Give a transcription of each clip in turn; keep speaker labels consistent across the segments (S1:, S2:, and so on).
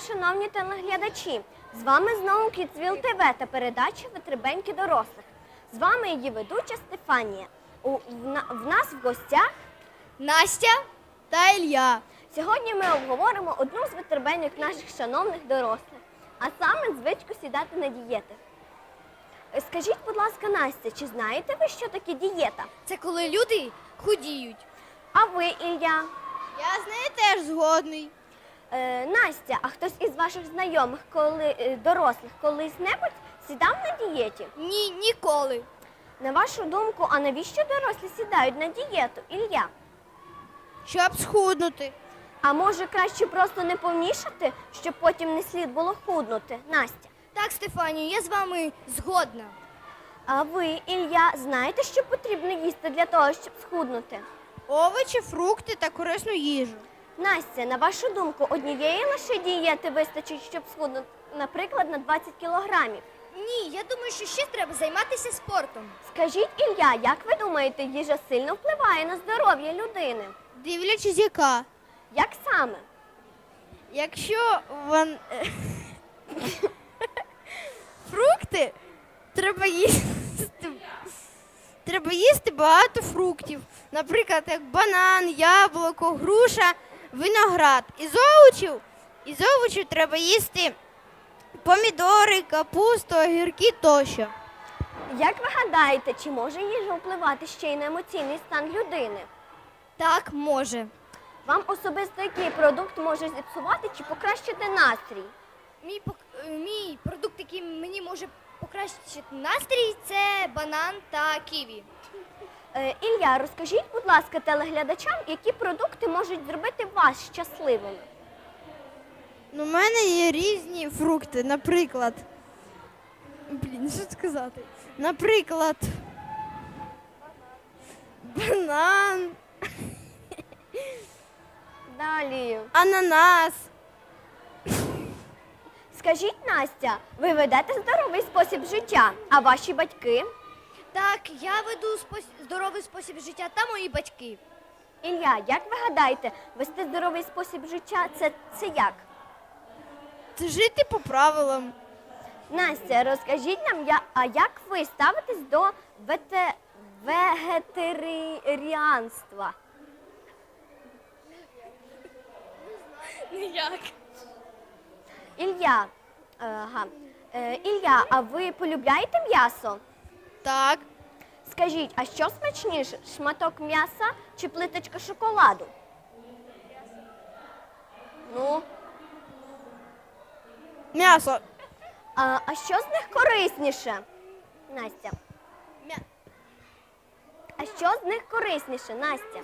S1: шановні телеглядачі! З вами знову Kidsville TV та передача «Витребеньки дорослих». З вами її ведуча Стефанія. В нас в гостях
S2: Настя та Ілля.
S1: Сьогодні ми обговоримо одну з витребеньок наших шановних дорослих, а саме звичку сідати на дієти. Скажіть, будь ласка, Настя, чи знаєте ви, що таке дієта?
S2: Це коли люди худіють.
S1: А ви, Ілля?
S2: Я з нею теж згодний.
S1: Настя, а хтось із ваших знайомих, дорослих, колись-небудь сідав на дієті?
S2: Ні, ніколи.
S1: На вашу думку, а навіщо дорослі сідають на дієту, Ілля?
S2: Щоб схуднути.
S1: А може краще просто не повнішати, щоб потім не слід було худнути, Настя?
S2: Так, Стефанію, я з вами згодна.
S1: А ви, Ілля, знаєте, що потрібно їсти для того, щоб схуднути?
S2: Овочі, фрукти та корисну їжу.
S1: Настя, на вашу думку, однієї лише дієти вистачить, щоб схуднути, наприклад, на 20 кілограмів?
S2: Ні, я думаю, що ще треба займатися спортом.
S1: Скажіть, Ілля, як ви думаєте, їжа сильно впливає на здоров'я людини?
S2: Дивлячись, яка.
S1: Як саме?
S2: Якщо фрукти, треба їсти багато фруктів. Наприклад, як банан, яблуко, груша, виноград. Із овочів треба їсти помідори, капусту, огірки тощо.
S1: Як ви гадаєте, чи може їжа впливати ще й на емоційний стан людини?
S2: Так, може.
S1: Вам особисто який продукт може зіпсувати чи покращити настрій?
S2: Мій продукт, який мені може покращити настрій, це банан та ківі.
S1: Ілля, розкажіть, будь ласка, телеглядачам, які продукти можуть зробити вас щасливими?
S2: У мене є різні фрукти, наприклад. Що сказати? Наприклад, банан,
S1: Далі.
S2: ананас.
S1: Скажіть, Настя, ви ведете здоровий спосіб життя, а ваші батьки?
S2: Так, я веду здоровий спосіб життя та мої батьки.
S1: Ілля, як ви гадаєте, вести здоровий спосіб життя – це як?
S2: Це жити по правилам.
S1: Настя, розкажіть нам, а як ви ставитесь до вегетаріанства?
S2: Ніяк.
S1: Ілля, Ілля, а ви полюбляєте м'ясо?
S2: Так.
S1: Скажіть, а що смачніше, шматок м'яса чи плиточка шоколаду? Ну,
S2: М'ясо.
S1: а що з них корисніше, Настя? А що з них корисніше, Настя?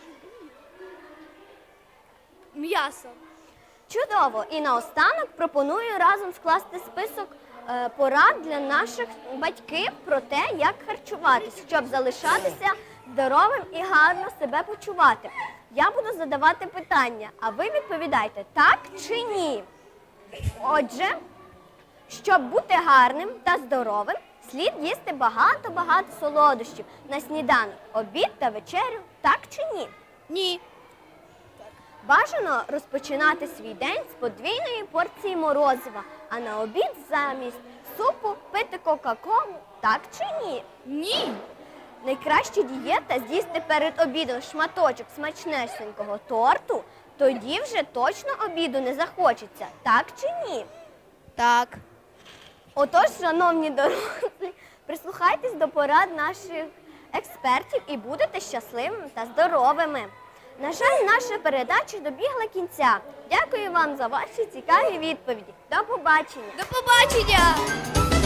S2: М'ясо.
S1: Чудово! І наостанок пропоную разом скласти список порад для наших батьків про те, як харчуватися, щоб залишатися здоровим і гарно себе почувати. Я буду задавати питання, а ви відповідайте так чи ні. Отже, щоб бути гарним та здоровим, слід їсти багато-багато солодощів на сніданок, обід та вечерю, так чи ні?
S2: Ні.
S1: Бажано розпочинати свій день з подвійної порції морозива, а на обід замість супу пити кока-колу, так чи ні?
S2: Ні.
S1: Найкраща дієта – з'їсти перед обідом шматочок смачнесенького торту, тоді вже точно обіду не захочеться, так чи ні?
S2: Так.
S1: Отож, шановні дорослі, прислухайтесь до порад наших експертів і будете щасливими та здоровими. На жаль, наша передача добігла кінця. Дякую вам за ваші цікаві відповіді. До побачення!
S2: До побачення!